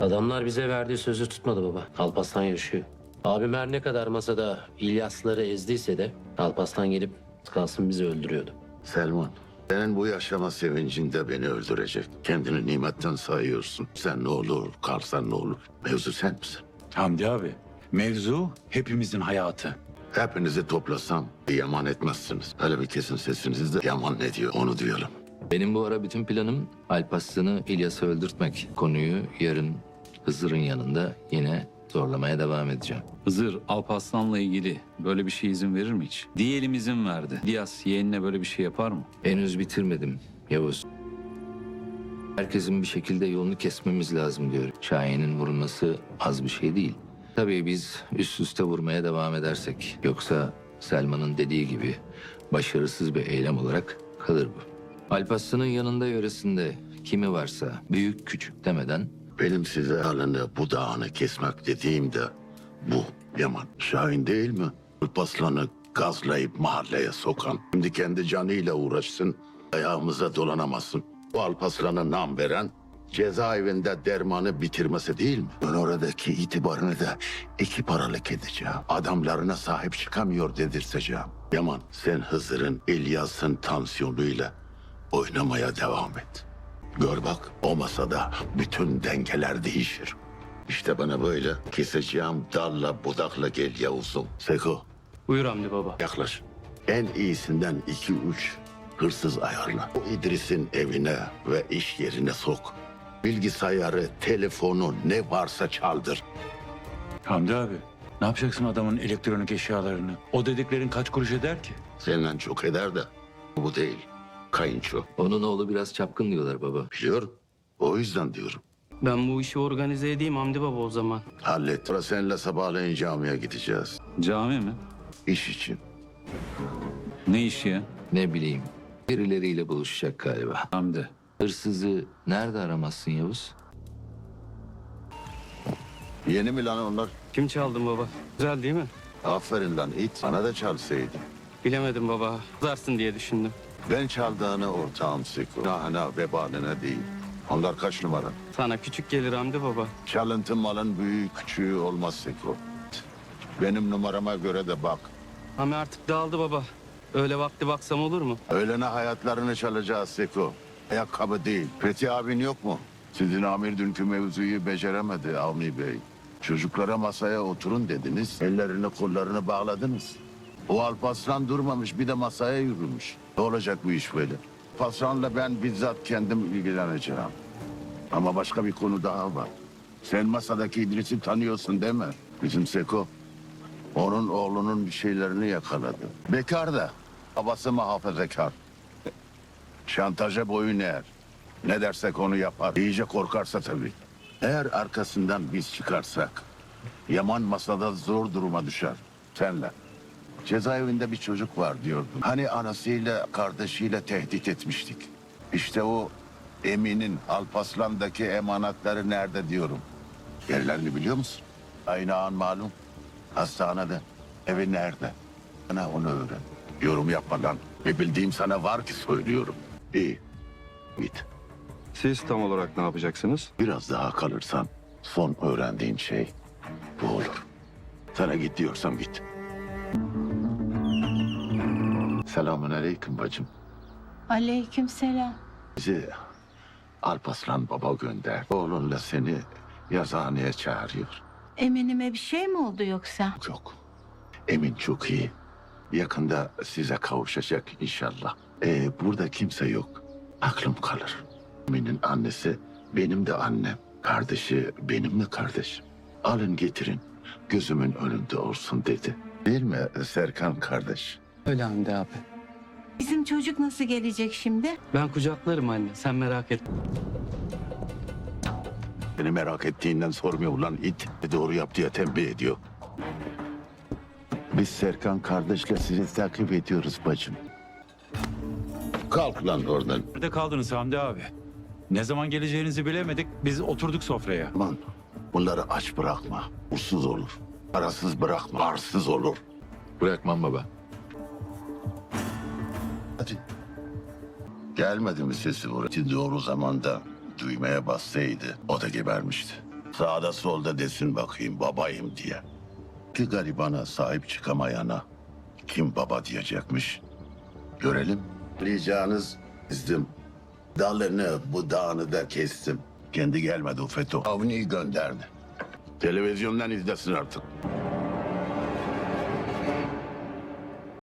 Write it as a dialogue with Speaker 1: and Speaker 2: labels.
Speaker 1: Adamlar bize verdiği sözü tutmadı baba. Alparslan yaşıyor. Abim her ne kadar masada İlyasları ezdiyse de Alparslan gelip kalsın bizi öldürüyordu.
Speaker 2: Selman, senin bu yaşama sevincinde beni öldürecek. Kendini nimetten sayıyorsun. Sen ne olur, kalsan ne olur. Mevzu sen misin?
Speaker 3: Hamdi abi, mevzu hepimizin hayatı.
Speaker 2: Hepinizi toplasam yaman etmezsiniz. Hele bir kesin sesinizi de yaman ne diyor onu duyalım.
Speaker 4: Benim bu ara bütün planım Alparslan'ı İlyas'a öldürtmek. Konuyu yarın Hızır'ın yanında yine zorlamaya devam edeceğim.
Speaker 5: Hızır, Alparslan'la ilgili böyle bir şey izin verir mi hiç? Diyelim izin verdi. İlyas yeğenine böyle bir şey yapar mı?
Speaker 4: Henüz bitirmedim Yavuz. Herkesin bir şekilde yolunu kesmemiz lazım diyor. Şahin'in vurulması az bir şey değil. Tabii biz üst üste vurmaya devam edersek. Yoksa Selman'ın dediği gibi başarısız bir eylem olarak kalır bu. Alparslan'ın yanında yöresinde kimi varsa büyük küçük demeden
Speaker 2: Benim size halini budağını kesmek dediğim de bu Yaman. Şahin değil mi? Alparslan'ı gazlayıp mahalleye sokan. Şimdi kendi canıyla uğraşsın, ayağımıza dolanamasın. Bu Alparslan'a nam veren cezaevinde dermanı bitirmesi değil mi? Ben oradaki itibarını da iki paralık edeceğim. Adamlarına sahip çıkamıyor dedirteceğim. Yaman, sen Hızır'ın, İlyas'ın tansiyonuyla oynamaya devam et. Gör bak, o masada bütün dengeler değişir. İşte bana böyle keseceğim dalla budakla gel Yavuz'um. Seko,
Speaker 1: Buyur Hamdi baba.
Speaker 2: yaklaş. En iyisinden 2-3 hırsız ayarla. O İdris'in evine ve iş yerine sok. Bilgisayarı, telefonu ne varsa çaldır.
Speaker 3: Hamdi abi, ne yapacaksın adamın elektronik eşyalarını? O dediklerin kaç kuruş eder ki?
Speaker 2: Senden çok eder de bu değil. Kayınço.
Speaker 4: onun oğlu biraz çapkın diyorlar baba.
Speaker 2: Biliyorum. O yüzden diyorum.
Speaker 6: Ben bu işi organize edeyim Hamdi Baba o zaman.
Speaker 2: Hallet. Sonra seninle sabahleyin camiye gideceğiz.
Speaker 5: Cami mi?
Speaker 2: İş için.
Speaker 5: Ne işi ya?
Speaker 4: Ne bileyim birileriyle buluşacak galiba.
Speaker 5: Hamdi.
Speaker 4: Hırsızı nerede aramazsın Yavuz?
Speaker 2: Yeni mi lan onlar?
Speaker 6: Kim çaldın baba? Güzel değil mi?
Speaker 2: Aferin lan it. Sana da çalsaydı.
Speaker 6: Bilemedim baba. Kızarsın diye düşündüm.
Speaker 2: Ben çaldığını ortağım Seko. Nahına vebaline değil. Onlar kaç numara?
Speaker 6: Sana küçük gelir Hamdi Baba.
Speaker 2: Çalıntı malın büyüğü küçüğü olmaz Seko. Benim numarama göre de bak.
Speaker 6: Ama artık dağıldı baba. Öyle vakti baksam olur mu?
Speaker 2: Öğlene hayatlarını çalacağız Seko. Ayakkabı değil. Fethi abin yok mu? Sizin amir dünkü mevzuyu beceremedi Avni Bey. Çocuklara masaya oturun dediniz. Ellerini kollarını bağladınız. O Alparslan durmamış bir de masaya yürümüş. Ne olacak bu iş böyle? Alparslan'la ben bizzat kendim ilgileneceğim. Ama başka bir konu daha var. Sen masadaki İdris'i tanıyorsun değil mi? Bizim Seko. Onun oğlunun bir şeylerini yakaladı. Bekar da. Babası muhafazakar. Şantaja boyun eğer. Ne dersek onu yapar. İyice korkarsa tabii. Eğer arkasından biz çıkarsak... Yaman masada zor duruma düşer. Senle. Cezaevinde bir çocuk var diyordun. Hani anasıyla kardeşiyle tehdit etmiştik. İşte o Emin'in Alparslan'daki emanetleri nerede diyorum. Yerlerini biliyor musun? Aynı an malum. Hastanede. Evi nerede? Bana onu öğren. Yorum yapma lan. Ne bildiğim sana var ki söylüyorum. İyi. Git.
Speaker 7: Siz tam olarak ne yapacaksınız?
Speaker 2: Biraz daha kalırsan son öğrendiğin şey bu olur. Sana git diyorsam git. Selamünaleyküm bacım.
Speaker 8: Aleykümselam.
Speaker 2: Bizi Alparslan baba gönder. Oğlunla seni yazıhaneye çağırıyor.
Speaker 8: Eminime bir şey mi oldu yoksa?
Speaker 2: Yok. Emin çok iyi. Yakında size kavuşacak inşallah. Burada kimse yok. Aklım kalır. Emin'in annesi benim de annem. Kardeşi benim de kardeşim. Alın getirin. Gözümün önünde olsun dedi. Değil mi Serkan kardeş?
Speaker 6: Öyle Hamdi abi.
Speaker 8: Bizim çocuk nasıl gelecek şimdi?
Speaker 6: Ben kucaklarım anne. Sen merak etme.
Speaker 2: Beni merak ettiğinden sormuyor lan it. Doğru yap diye tembih ediyor. Biz Serkan kardeşle sizi takip ediyoruz bacım. Kalk lan oradan.
Speaker 3: Nerede kaldınız Hamdi abi? Ne zaman geleceğinizi bilemedik. Biz oturduk sofraya.
Speaker 2: Aman bunları aç bırakma. Ursuz olur. Parasız bırakma. Arsız olur.
Speaker 4: Bırakmam baba.
Speaker 2: Hadi. Gelmedi mi sesi buraya? Doğru zamanda düğmeye bassaydı o da gebermişti. Sağda solda desin bakayım babayım diye. Bir garibana sahip çıkamayana kim baba diyecekmiş? Görelim. Ricanız izdim. Dalını budağını da kestim. Kendi gelmedi o FETÖ. Avni'yi gönderdi. Televizyondan izlesin artık.